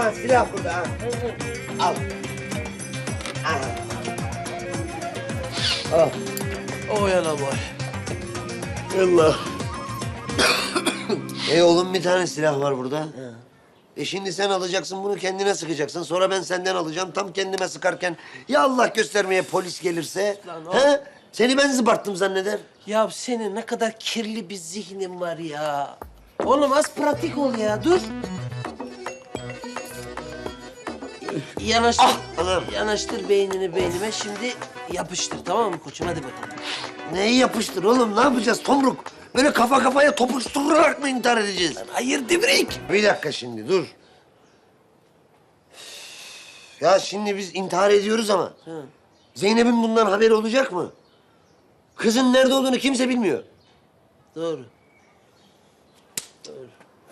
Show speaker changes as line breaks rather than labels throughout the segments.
Aha silah burada. Ha. Al. Aha. Al.
Oy ana boy.
Allah. Oğlum bir tane silah var burada. Şimdi sen alacaksın bunu kendine sıkacaksın. Sonra ben senden alacağım. Tam kendime sıkarken ya Allah göstermeye polis gelirse.
Lan o-
He? Seni ben zıbarttım zanneder.
Ya senin ne kadar kirli bir zihnin var ya. Oğlum az pratik ol ya, dur. Yanaştır,
anam.
yanaştır beynini beynime. Şimdi yapıştır, tamam mı koçum? Hadi bakalım.
Neyi yapıştır oğlum? Ne yapacağız Tomruk? Böyle kafa kafaya topuşturarak mı intihar edeceğiz?
Hayır Divrik.
Bir dakika şimdi dur. Ya şimdi biz intihar ediyoruz ama Zeynep'in bundan haberi olacak mı? Kızın nerede olduğunu kimse bilmiyor.
Doğru. Doğru.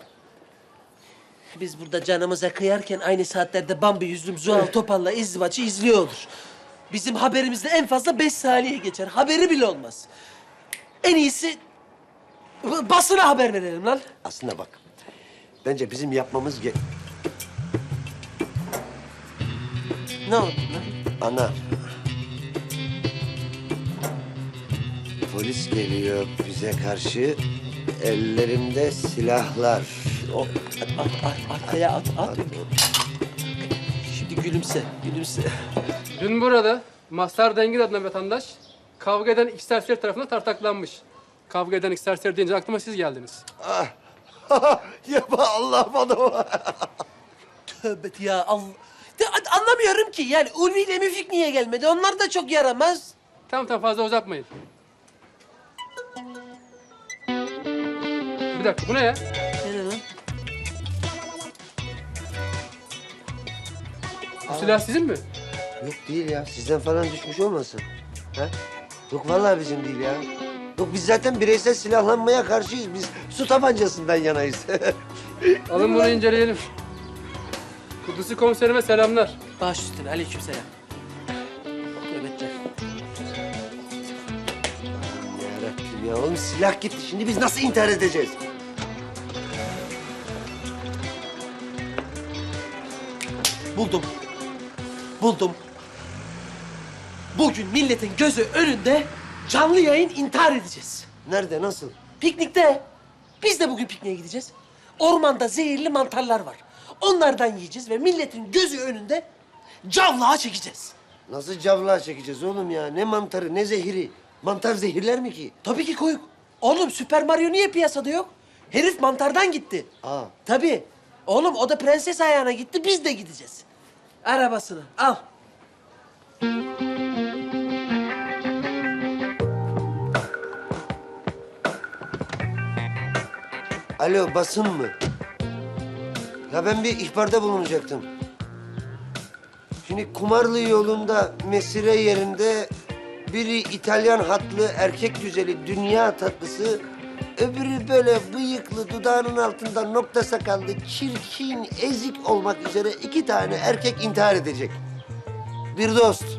Biz burada canımıza kıyarken aynı saatlerde Bambi yüzlüm Zuhal Topal'la izdivaçı izliyor olur. Bizim haberimizde en fazla 5 saniye geçer. Haberi bile olmaz. En iyisi basına haber verelim lan.
Aslında bak, bence bizim yapmamız
Ne oldu lan?
Ana. Polis geliyor bize karşı. Ellerimde silahlar.
Arkaya at. Şimdi gülümse, gülümse.
Dün burada Mazhar Dengir adına vatandaş kavga eden iki serseri tarafından tartaklanmış. Kavga eden iki serseri deyince aklıma siz geldiniz.
Yapma Allah bana.
Tövbe ya Allah. Anlamıyorum ki yani Ulvi ile Müfik niye gelmedi? Onlar da çok yaramaz.
Tamam fazla uzatmayın. Bir dakika bu ne ya?
Ne lan?
Bu silah sizin mi?
Yok değil ya. Sizden falan düşmüş olmasın. Ha? Yok vallahi bizim değil ya. Yok biz zaten bireysel silahlanmaya karşıyız. Biz su tabancasından yanayız.
Alın bunu inceleyelim. Kudüs'ü komiserime selamlar.
Baş üstüne aleykümselam. Nöbetler.
Yarabbim ya oğlum silah gitti. Şimdi biz nasıl intihar edeceğiz?
Buldum. Bugün milletin gözü önünde canlı yayın intihar edeceğiz.
Nerede, nasıl?
Piknikte. Biz de bugün pikniğe gideceğiz. Ormanda zehirli mantarlar var. Onlardan yiyeceğiz ve milletin gözü önünde cavlağa çekeceğiz.
Nasıl cavlağa çekeceğiz oğlum ya? Ne mantarı, ne zehiri? Mantar zehirler mi ki?
Tabii ki koyuk. Oğlum Süper Mario niye piyasada yok? Herif mantardan gitti.
Aa.
Tabii. Oğlum o da prenses ayağına gitti, biz de gideceğiz. Arabasını al.
Alo, basın mı? Ya ben bir ihbarda bulunacaktım. Şimdi Kumarlı yolunda mesire yerinde biri İtalyan hatlı erkek güzeli dünya tatlısı, öbürü böyle bıyıklı dudağının altında nokta sakallı çirkin ezik olmak üzere iki tane erkek intihar edecek. Bir dost.